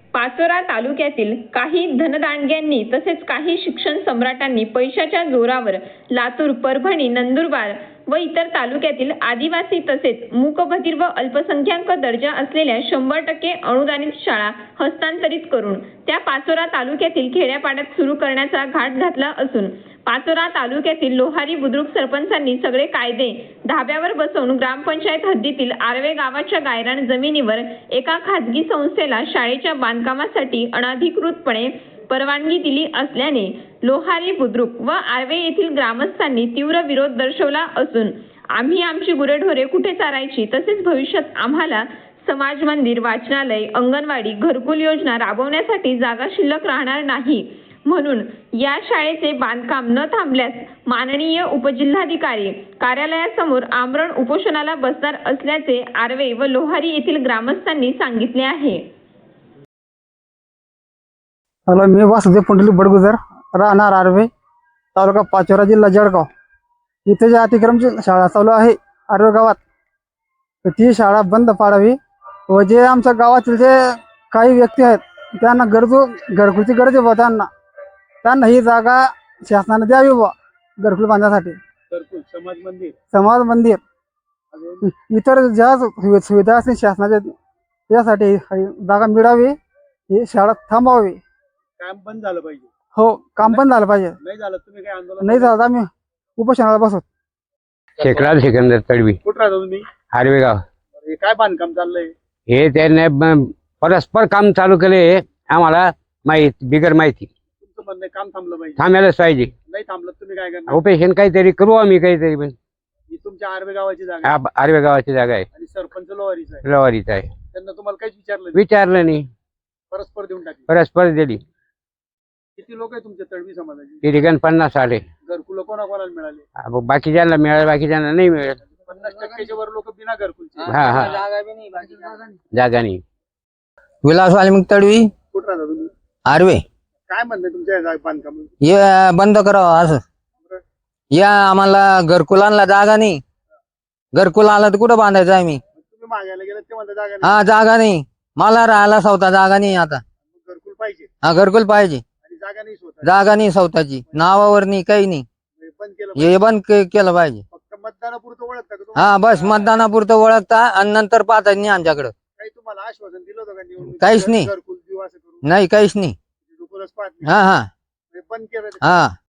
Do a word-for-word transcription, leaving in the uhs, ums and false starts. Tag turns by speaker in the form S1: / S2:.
S1: पाचोरा तालुक्यातील काही धनदांडग्यांनी तसेच काही शिक्षण सम्राटांनी पैशाच्या जोरावर लातूर, परभणी, नंदुरबार व इतर तालुक्यातील आदिवासी तसेच मूकबधिर व अल्पसंख्याक दर्जा असलेल्या शंभर टक्के अनुदानित शाळा हस्तांतरित करून त्या पाचोरा तालुक्यातील खेड्यापाड्यात सुरू करण्याचा घाट घातला असून पाचोरा तालुक्यातील लोहारी बुद्रुक सरपंचांनी सगळे कायदे धाब्यावर बसवून ग्रामपंचायत हद्दीतील आर्वे गावाच्या गायरान जमिनीवर एका खाजगी संस्थेला शाळेच्या बांधकामासाठी अनधिकृतपणे परवानगी दिली असल्याने लोहारी बुद्रुक व आर्वे येथील ग्रामस्थांनी तीव्र विरोध दर्शवला असून आम्ही आमची गुरेढोरे कुठे चारायची तसेच भविष्यात आम्हाला समाज मंदिर, वाचनालय, अंगणवाडी, घरकुल योजना राबवण्यासाठी जागा शिल्लक राहणार नाही म्हणून या शाळेचे बांधकाम न थांबल्यास माननीय उपजिल्हाधिकारी कार्यालयासमोर आमरण उपोषणाला बसणार असल्याचे आर्वे व लोहारी येथील ग्रामस्थांनी सांगितले आहे.
S2: हॅलो, मी वासुदेव पुंडलिक बडगुजर, राहणार आर्वे, तालुका पाचोरा, जिल्हा जळगाव. इथे जे अतिक्रमची शाळा चालू आहे आर्वे गावात, तर ती शाळा बंद पाडावी व जे आमच्या गावातील जे काही व्यक्ती आहेत त्यांना गरजू घरकुलची गरज आहे, त्यांना त्यांना ही जागा शासनाने द्यावी बा घरकुल बांधण्यासाठी.
S3: घरकुल, समाज मंदिर,
S2: समाज मंदिर, इतर ज्या सुविधा असतील शासनाच्या यासाठी जागा मिळावी, ही शाळा थांबवावी.
S3: काम बंद झालं पाहिजे.
S2: हो, काम बंद झालं पाहिजे.
S3: नाही झालं तुम्ही काय आंदोलन
S2: नाही झालं आम्ही उपोषणाला बसू.
S4: शेखराज सिकंदर तडवी,
S3: कुठं राहता तुम्ही?
S4: हारवे गाव.
S3: हे काय बांधकाम चाललंय?
S4: हे त्याने ब- परस्पर काम चालू केले, आम्हाला माहित बिगर माहिती.
S3: तुमचं म्हणणं आहे काम थांबलं पाहिजे.
S4: थांबायलाच पाहिजे.
S3: नाही थांबलं तुम्ही काय करणार?
S4: ऑपरेशन काहीतरी करू आम्ही काहीतरी. पण
S3: ही तुमच्या आर्वे गावाची जागा आहे
S4: हा आर्वे गावाची जागा आहे,
S3: आणि सरपंच लोहारीचा आहे.
S4: लवारीचा आहे.
S3: त्यांना तुम्हाला काहीच विचारलं नाही?
S4: विचारलं नाही,
S3: परस्पर देऊन टाकली.
S4: परस्पर दिली.
S3: किती लोक आहे तुमच्या तडवी समाजाचे?
S4: ते ठिकाण पन्नास आले.
S3: घरकुल कोणाकोणाला मिळाले?
S4: अब बाकीच्यांना मिळालं, बाकीच्यांना नाही मिळालं.
S3: पन्नास टक्क्याच्या वर लोक बिना घरकुलचे.
S4: हा हा जागा नाही.
S5: विलास वाल्मिक तडवी,
S3: कुठं राहता तुम्ही?
S5: आर्वे.
S3: काय म्हणणं तुमच्या या जागा बांधकाम?
S5: हे बंद करावं असं. या आम्हाला घरकुलांना जागा नाही. घरकुल आला तर कुठं बांधायचं आम्ही?
S3: तुम्ही मागायला गेलं ते म्हणता जागा नाही.
S5: हा, जागा नाही. मला राहायला स्वतः जागा नाही. आता
S3: घरकुल पाहिजे
S5: हा घरकुल पाहिजे.
S3: आणि जागा नाही स्वतः.
S5: जागा नाही स्वतःची, नावावर नाही, काही नाही.
S3: हे बंद केलं
S5: हे बंद के- केलं पाहिजे.
S3: फक्त मतदानापुरतं ओळखता का तुम्ही?
S5: हा, बस मतदानापुरतं ओळखता आणि नंतर पाहता नाही आमच्याकडं.
S3: काही तुम्हाला आश्वासन दिलं होतं का निवडणुकीत?
S5: काहीच नाही.
S3: घरकुल देऊ असं करू?
S5: नाही, काहीच नाही.
S3: घरकुलच पाहत नाही.
S5: हा हा
S3: हे बंद केलं.
S5: हा